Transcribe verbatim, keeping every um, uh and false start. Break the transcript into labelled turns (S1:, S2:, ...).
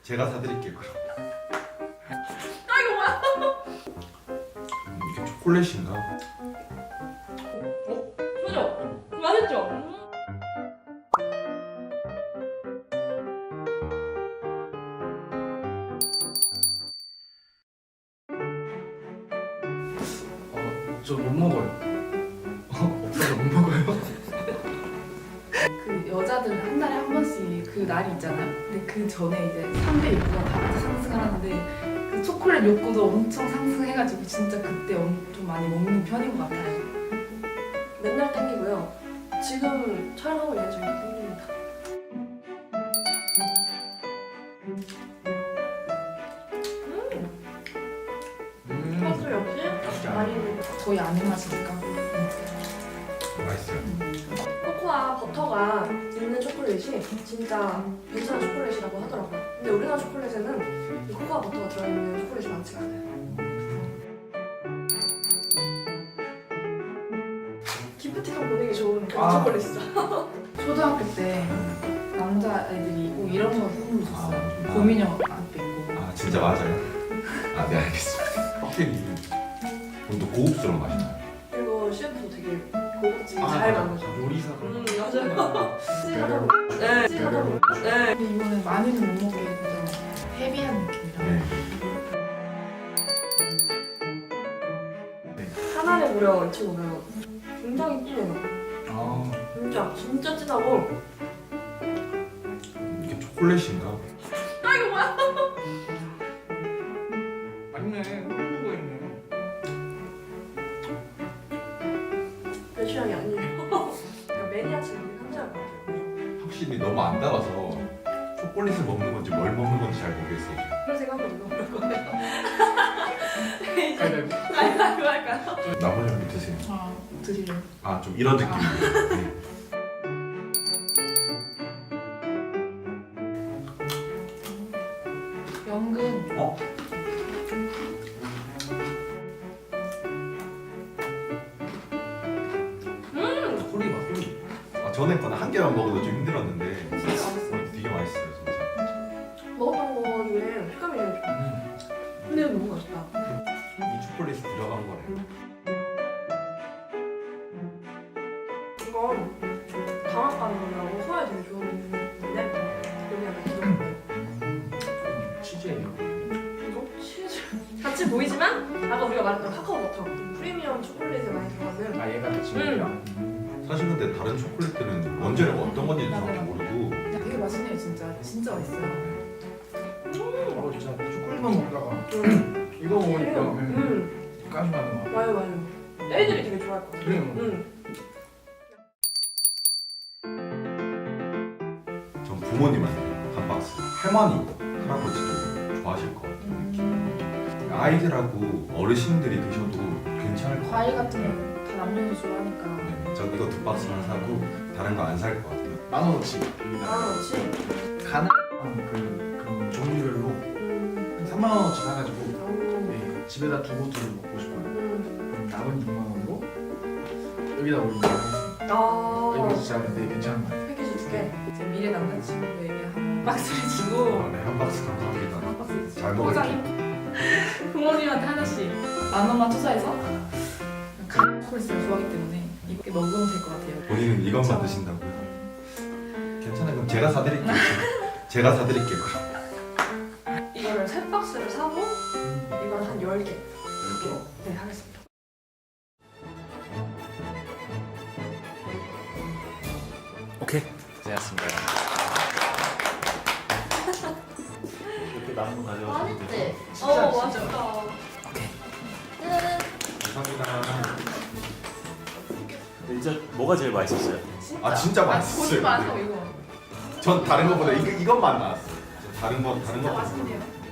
S1: 제가 사드릴게요. 그럼.
S2: 아 이거 뭐야?
S1: 이게 초콜릿인가?
S2: 그죠? 맛있죠?
S3: 저 못 먹어요. 없어서 못 먹어요.
S4: 그 여자들은 한 달에 한 번씩 그 날이 있잖아요. 근데 그 전에 이제 삼 대 욕구가 다 같이 상승을 하는데 그 초콜릿 욕구도 엄청 상승해가지고 진짜 그때 엄- 좀 많이 먹는 편인 것 같아요.
S2: 맨날 땡기고요. 지금 촬영하고 있는 중에 땡깁니다.
S3: 음.
S2: 소스 역시 많이
S4: 거의 안 입맛이니까.
S1: 맛있어요.
S2: 코코아 버터가 있는 초콜릿이 진짜 괜찮은 초콜릿이라고 하더라고요. 근데 우리나라 초콜릿에는 이 코코아 버터가 들어있는 초콜릿이 많지가 않아요. 기프티콘 보내기 좋은 그런
S3: 아.
S2: 초콜릿이죠.
S4: 초등학교 때 남자애들이 꼭 이런 거 선물 줬어요.
S1: 아.
S4: 고민형 앞에 있고.
S1: 아 진짜 맞아요? 아 네 알겠습니다. 확실히 좀 더 고급스러운 맛이 나요.
S2: 그리고 셰프도 되게 고급지게
S3: 아,
S2: 잘
S3: 맞아.
S2: 만드죠.
S3: 요리사가.
S2: 음 맞아요.
S3: 배려로.
S2: 네,
S3: 배려로.
S2: 네.
S4: 근데 이거는 많이는 못 먹게 해서 헤비한 느낌이라.
S1: 네.
S2: 하나를 무려 이천오백 굉장히 진해요.
S3: 아.
S2: 진짜 진짜 진하고.
S1: 이게 초콜릿인가?
S2: 아 이거 뭐야?
S3: 맞네. 훌륭거 있네.
S2: 내 취향이 아니에요. 그냥 매니아층이 상상할 것 같아요.
S1: 확실히 너무 안 달아서 초콜릿을 먹는 건지 뭘 먹는 건지 잘 모르겠어요.
S2: 그런 생각하거든요. 그럴 거예요. 이제
S3: 아니,
S2: 가위바위보 할까요?
S1: 나머지 한 드세요.
S4: 아, 드리려고.
S1: 아 좀 이런 느낌이에요. 네.
S4: 연근.
S1: 어?
S3: 소리 봐, 소리.
S1: 아, 전에 거는 한 개만 먹어도 좀 힘들었는데
S2: 진짜 맛있어요.
S1: 어, 되게 맛있어요 진짜.
S2: 먹었던 거 중에 색감이 되게 좋아.
S3: 음.
S2: 근데 이거 너무 맛있다.
S1: 이 초콜릿이 들어간 거래요.
S2: 이건 강압감이라고 소화에 되게 좋은데 여기 약간 기름.
S3: 치즈예요.
S2: 이거 치즈. 같이 보이지만 아까 우리가 말했던 카카오 버터 프리미엄 초콜릿에 많이 들어가는.
S3: 아 얘가 치즈예요.
S1: 사실 근데 다른 초콜릿들은 원재료가 어떤 건지 정확히
S4: 맞아요.
S1: 모르고
S4: 그냥 되게 맛있네요, 진짜. 진짜 맛있어요.
S3: 어 진짜 초콜릿만 먹다가
S2: 음.
S3: 이거 먹으니까 음.
S2: 음.
S3: 까지나는 거.
S2: 맞아요 맞아요. 애들이 되게 좋아할 것 같아요.
S3: 그래요.
S2: 음.
S1: 전 부모님한테 한 박스, 할머니, 할아버지도 좋아하실 것 같아요.
S4: 음.
S1: 아이들하고 어르신들이 드셔도 괜찮을 것 같아요.
S4: 과일 같은 건 다 남녀도 좋아하니까.
S1: 네, 저 이거 두 박스만 사고 다른 거 안 살 것 같아요.
S3: 만 원어치.
S2: 아 그렇지.
S3: 가능한 그 그런 종류별로
S2: 음.
S3: 한 삼만 원어치 사가지고
S2: 음.
S3: 네, 집에다 두고 두고 먹고 싶어요.
S2: 음.
S3: 그럼 남은 육만 원으로 여기다 올리면 하겠습니다.
S2: 아.
S3: 이거 진짜 되게 괜찮은 것 같아요.
S2: 패키지 두 개.
S4: 제 미래 남자친구에게 한 박스를 주고
S1: 아, 네, 한 박스 감사합니다.
S4: 한 박스
S1: 잘
S4: 포장해.
S1: 먹을게요.
S4: 부모님한테 하나씩 만 원만 투자해서 초콜릿을 좋아하기 때문에 이렇게 먹으면 될 것 같아요.
S1: 본인은 이것만 드신다고요? 괜찮아요. 그럼 제가 사드릴게요. 제가 사드릴게요. 그럼.
S2: 이거를 세 박스를 사고 이걸 한 열 개.
S3: 이렇게.
S2: 네 하겠습니다.
S5: 오케이 고생하셨습니다. 이렇게 남은 거 가져와서
S2: 맛있지?
S3: 진짜,
S2: 어
S3: 진짜.
S2: 맛있다.
S5: 오케이.
S2: 짜잔.
S1: 감사합니다.
S5: 진짜 뭐가 제일 맛있었어요?
S1: 아 진짜
S4: 본인
S1: 맛있어요.
S4: 맛은 이거.
S1: 전 다른 거보다 이거 이것만 나왔어요. 전 다른 거 다른
S4: 진짜
S1: 거
S4: 맛있네요.